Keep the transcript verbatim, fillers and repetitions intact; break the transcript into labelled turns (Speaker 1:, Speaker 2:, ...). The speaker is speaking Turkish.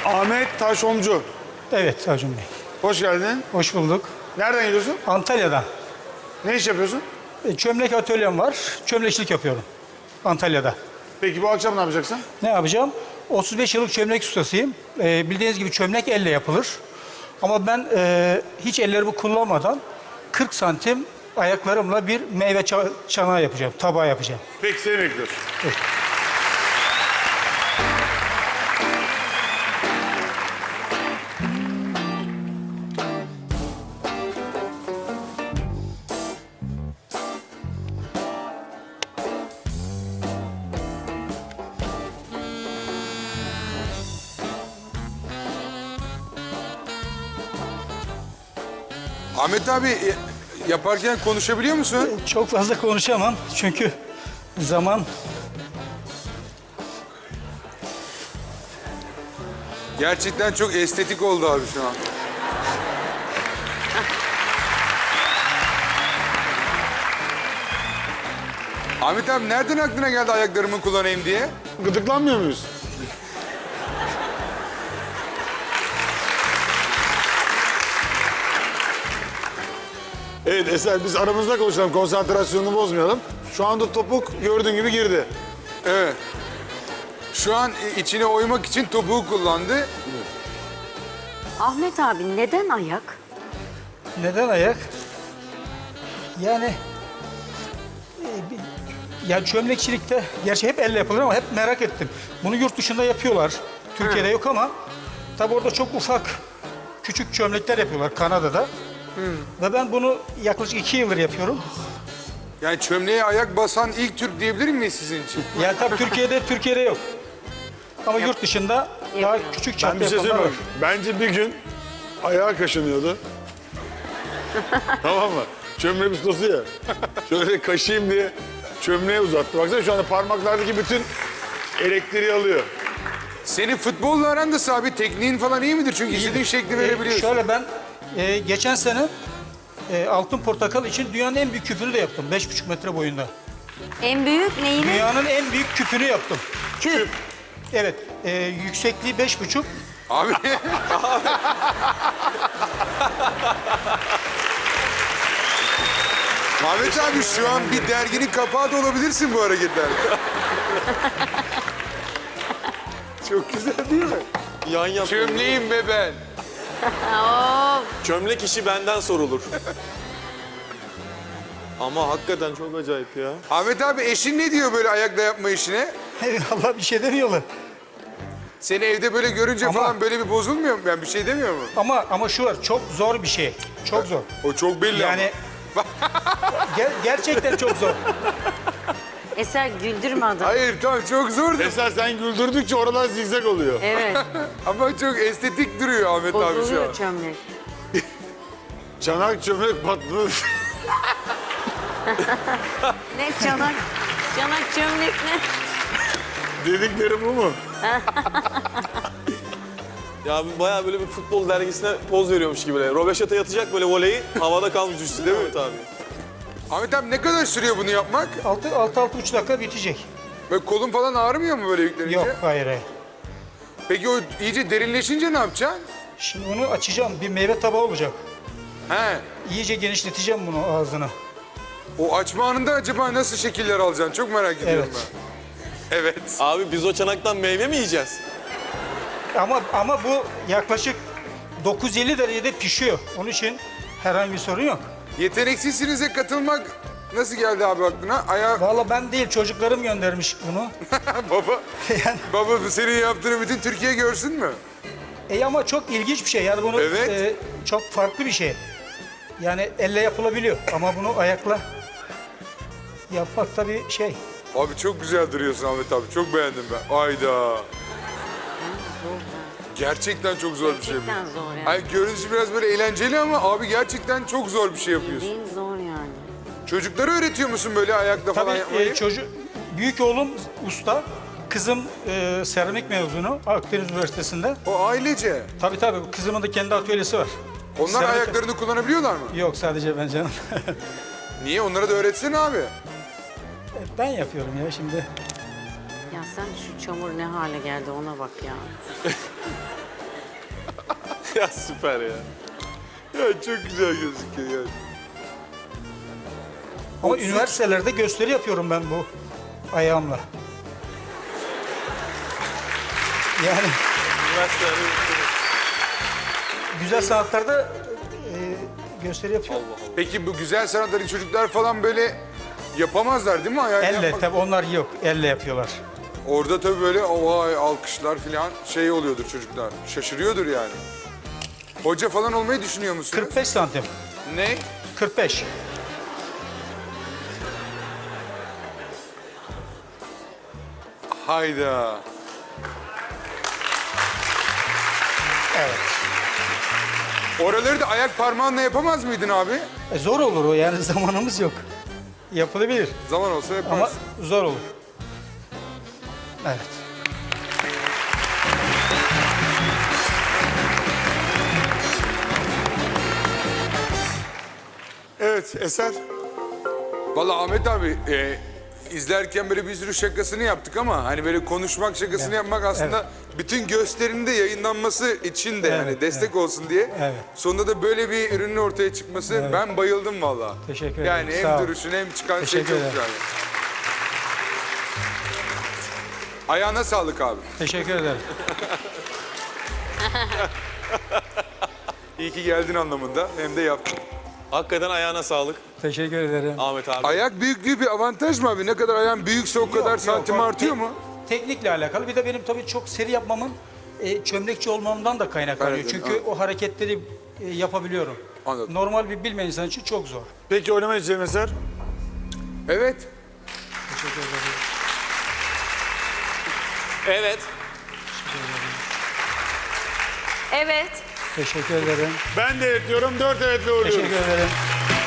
Speaker 1: Ahmet Taşomcu.
Speaker 2: Evet Acun Bey.
Speaker 1: Hoş geldin.
Speaker 2: Hoş bulduk.
Speaker 1: Nereden geliyorsun?
Speaker 2: Antalya'dan.
Speaker 1: Ne iş yapıyorsun?
Speaker 2: E, Çömlek atölyem var. Çömlekçilik yapıyorum. Antalya'da.
Speaker 1: Peki bu akşam ne yapacaksın?
Speaker 2: Ne yapacağım? otuz beş yıllık çömlek ustasıyım. E, bildiğiniz gibi çömlek elle yapılır. Ama ben e, hiç ellerimi kullanmadan kırk santim ayaklarımla bir meyve ça- çanağı yapacağım. Tabağı yapacağım.
Speaker 1: Peki seni bekliyoruz.
Speaker 2: Evet.
Speaker 3: Ahmet abi e, yaparken konuşabiliyor musun?
Speaker 2: Çok fazla konuşamam çünkü zaman...
Speaker 3: Gerçekten çok estetik oldu abi şu an. Ahmet abi nereden aklına geldi ayaklarımı kullanayım diye?
Speaker 1: Gıdıklanmıyor muyuz? Evet Eser, biz aramızda konuşalım, konsantrasyonunu bozmayalım. Şu anda topuk gördüğün gibi girdi.
Speaker 3: Evet. Şu an e, içine oymak için topuğu kullandı.
Speaker 4: Ahmet abi neden ayak?
Speaker 2: Neden ayak? Yani e, bir- ya çömlekçilikte gerçi hep elle yapılır ama hep merak ettim. Bunu yurt dışında yapıyorlar. Türkiye'de yok ama tabii orada çok ufak küçük çömlekler yapıyorlar Kanada'da. Ve ben bunu yaklaşık iki yıldır yapıyorum.
Speaker 3: Yani çömleğe ayak basan ilk Türk diyebilir miyiz sizin için?
Speaker 2: Yani tabii Türkiye'de Türkiye'de yok. Ama yurt dışında daha
Speaker 4: Yapıyor.
Speaker 2: küçük
Speaker 1: Ben
Speaker 2: çapta
Speaker 1: bir şey
Speaker 2: yapanlar var.
Speaker 1: söyleyeyim mi? Bence bir gün ayağı kaşınıyordu. Tamam mı? Çömlek ustası ya. Şöyle kaşıyım diye çömleğe uzattı. Baksana şu anda parmaklardaki bütün elektriği alıyor.
Speaker 3: Senin futbolla aran da abi, tekniğin falan iyi midir? Çünkü istediğin şekli
Speaker 2: E,
Speaker 3: verebiliyorsun.
Speaker 2: şöyle ben e, geçen sene e, Altın Portakal için dünyanın en büyük küpünü de yaptım. Beş buçuk metre boyunda.
Speaker 4: En büyük neyini?
Speaker 2: Dünyanın en büyük küpünü yaptım.
Speaker 4: Küp.
Speaker 2: Evet, e, yüksekliği beş buçuk.
Speaker 3: Abi Ahmet abi şu an bir derginin kapağı da olabilirsin bu hareketlerle.
Speaker 1: Çok güzel değil mi?
Speaker 5: Yan yap.
Speaker 3: Çömleğim be ben.
Speaker 4: Of.
Speaker 5: Çömlek işi benden sorulur. Ama hakikaten çok acayip ya.
Speaker 3: Ahmet abi eşin ne diyor böyle ayakla yapma işine?
Speaker 2: Allah bir şey demiyorlar.
Speaker 3: Seni evde böyle görünce
Speaker 2: Ama-
Speaker 3: falan böyle bir bozulmuyor mu? Ben bir şey demiyor mu?
Speaker 2: Ama ama şu var, çok zor bir şey. Çok zor.
Speaker 3: O çok belli
Speaker 2: Yani ger- gerçekten çok zor.
Speaker 4: Eser güldürme
Speaker 3: ama.
Speaker 4: adamı.
Speaker 3: Hayır tamam çok zor da.
Speaker 1: Eser sen güldürdükçe oralar zigzag oluyor.
Speaker 4: Evet.
Speaker 3: Ama çok estetik duruyor Ahmet abi şu
Speaker 4: Bozuluyor
Speaker 3: an.
Speaker 4: çömlek.
Speaker 1: Çanak çömlek patladı.
Speaker 4: Ne çanak? Çanak çömlek ne?
Speaker 1: Dedikleri bu mu?
Speaker 5: Ya bayağı böyle bir futbol dergisine poz veriyormuş gibi. Böyle. Robeşata yatacak böyle voleyi havada kalmış düştü değil mi Ahmet abi?
Speaker 3: Ahmet abi ne kadar sürüyor bunu yapmak?
Speaker 2: Altı, altı, altı buçuk dakika bitecek.
Speaker 3: Böyle kolun falan ağrımıyor mu böyle yüklenince?
Speaker 2: Yok, hayır, hayır.
Speaker 3: Peki o iyice derinleşince ne yapacaksın?
Speaker 2: Şimdi bunu açacağım, bir meyve tabağı olacak.
Speaker 3: He.
Speaker 2: İyice genişleteceğim bunu ağzını.
Speaker 3: O açma anında acaba nasıl şekiller alacaksın? Çok merak ediyorum
Speaker 2: Evet.
Speaker 3: ben. Evet.
Speaker 5: Abi biz o çanaktan meyve mi yiyeceğiz?
Speaker 2: Ama ama bu yaklaşık dokuz yüz elli derecede pişiyor. Onun için herhangi bir sorun yok.
Speaker 3: Yeteneksizsinize katılmak nasıl geldi abi aklına? Ayağı...
Speaker 2: Vallahi ben değil, çocuklarım göndermiş bunu.
Speaker 3: Baba,
Speaker 2: Yani,
Speaker 3: baba bu senin yaptığını bütün Türkiye görsün mü?
Speaker 2: e ama çok ilginç bir şey. Yani bunu
Speaker 3: Evet.
Speaker 2: e, çok farklı bir şey. Yani elle yapılabiliyor ama bunu ayakla yapmak tabii şey.
Speaker 3: Abi çok güzel duruyorsun Ahmet abi. Çok beğendim ben. Ayda. Gerçekten çok zor bir şey bu.
Speaker 4: Gerçekten zor yani.
Speaker 3: Ay görünüşü biraz böyle eğlenceli ama abi gerçekten çok zor bir şey yapıyorsun.
Speaker 4: Bildiğin zor yani.
Speaker 3: Çocuklara öğretiyor musun böyle ayakla
Speaker 2: Tabii
Speaker 3: falan yapmayı?
Speaker 2: e, çocuk, büyük oğlum usta, kızım e, seramik mezunu Akdeniz Üniversitesi'nde.
Speaker 3: O ailece.
Speaker 2: Tabii tabii, kızımın da kendi atölyesi var.
Speaker 3: Onlar
Speaker 2: Seramik-
Speaker 3: ayaklarını kullanabiliyorlar mı?
Speaker 2: Yok, sadece ben canım.
Speaker 3: Niye? Onlara da öğretsene abi.
Speaker 2: Ben yapıyorum ya şimdi.
Speaker 4: Ya sen şu çamur ne hale geldi ona bak ya.
Speaker 5: Ya süper ya.
Speaker 3: Ya çok güzel gözüküyor yani.
Speaker 2: Ama üniversitelerde gösteri yapıyorum ben bu ayağımla. Yani
Speaker 5: Üniversitelerde
Speaker 2: güzel sanatlarda e, gösteri yapıyorum.
Speaker 3: Peki bu güzel sanatları çocuklar falan böyle yapamazlar değil mi? Ayağını
Speaker 2: Elle
Speaker 3: yapmak-
Speaker 2: tabii onlar yok. Elle yapıyorlar.
Speaker 3: Orada tabii böyle vay alkışlar falan şey oluyordur çocuklar. Şaşırıyordur yani. Hoca falan olmayı düşünüyor musunuz?
Speaker 2: kırk beş santim.
Speaker 3: Ne?
Speaker 2: kırk beş.
Speaker 3: Hayda.
Speaker 2: Evet.
Speaker 3: Oraları da ayak parmağınla yapamaz mıydın abi?
Speaker 2: E, zor olur o yani zamanımız yok. Yapılabilir
Speaker 3: Zaman olsa
Speaker 2: ama
Speaker 3: yaparsın.
Speaker 2: zor olur. Evet.
Speaker 3: Evet Eser. Vallahi Ahmet abi e, izlerken böyle bir sürü şakasını yaptık ama hani böyle konuşmak şakasını
Speaker 2: Evet,
Speaker 3: yapmak aslında bütün gösterinin de yayınlanması için de yani
Speaker 2: Evet,
Speaker 3: destek olsun diye.
Speaker 2: Evet.
Speaker 3: Sonunda da böyle bir ürünün ortaya çıkması ben bayıldım vallahi.
Speaker 2: Teşekkür
Speaker 3: Yani
Speaker 2: ederim,
Speaker 3: hem
Speaker 2: sağ ol.
Speaker 3: duruşun hem çıkan şey
Speaker 2: Teşekkür
Speaker 3: çok
Speaker 2: ederim.
Speaker 3: güzel. Ayağına sağlık abi.
Speaker 2: Teşekkür ederim.
Speaker 3: İyi ki geldin anlamında hem de yaptın.
Speaker 5: hakikaten ayağına sağlık
Speaker 2: Teşekkür ederim.
Speaker 5: Ahmet abi.
Speaker 3: Ayak büyüklüğü bir avantaj mı abi? Ne kadar ayağın büyükse o kadar
Speaker 2: Yok,
Speaker 3: santim
Speaker 2: yok, o
Speaker 3: artıyor
Speaker 2: te-
Speaker 3: mu?
Speaker 2: Teknikle alakalı. Bir de benim tabii çok seri yapmamın e, çömlekçi olmamdan da kaynaklanıyor.
Speaker 3: Kaynaklanıyor,
Speaker 2: Çünkü
Speaker 3: evet.
Speaker 2: o hareketleri e, yapabiliyorum.
Speaker 3: Anladım.
Speaker 2: Normal bir bilmeyen insan için çok zor.
Speaker 1: Peki oynama için Eser.
Speaker 3: Evet.
Speaker 2: Teşekkür ederim.
Speaker 5: Evet.
Speaker 4: Evet.
Speaker 2: Teşekkür ederim.
Speaker 1: Ben de evet diyorum. Dört evetle uğurluyoruz.
Speaker 2: Teşekkür ederim.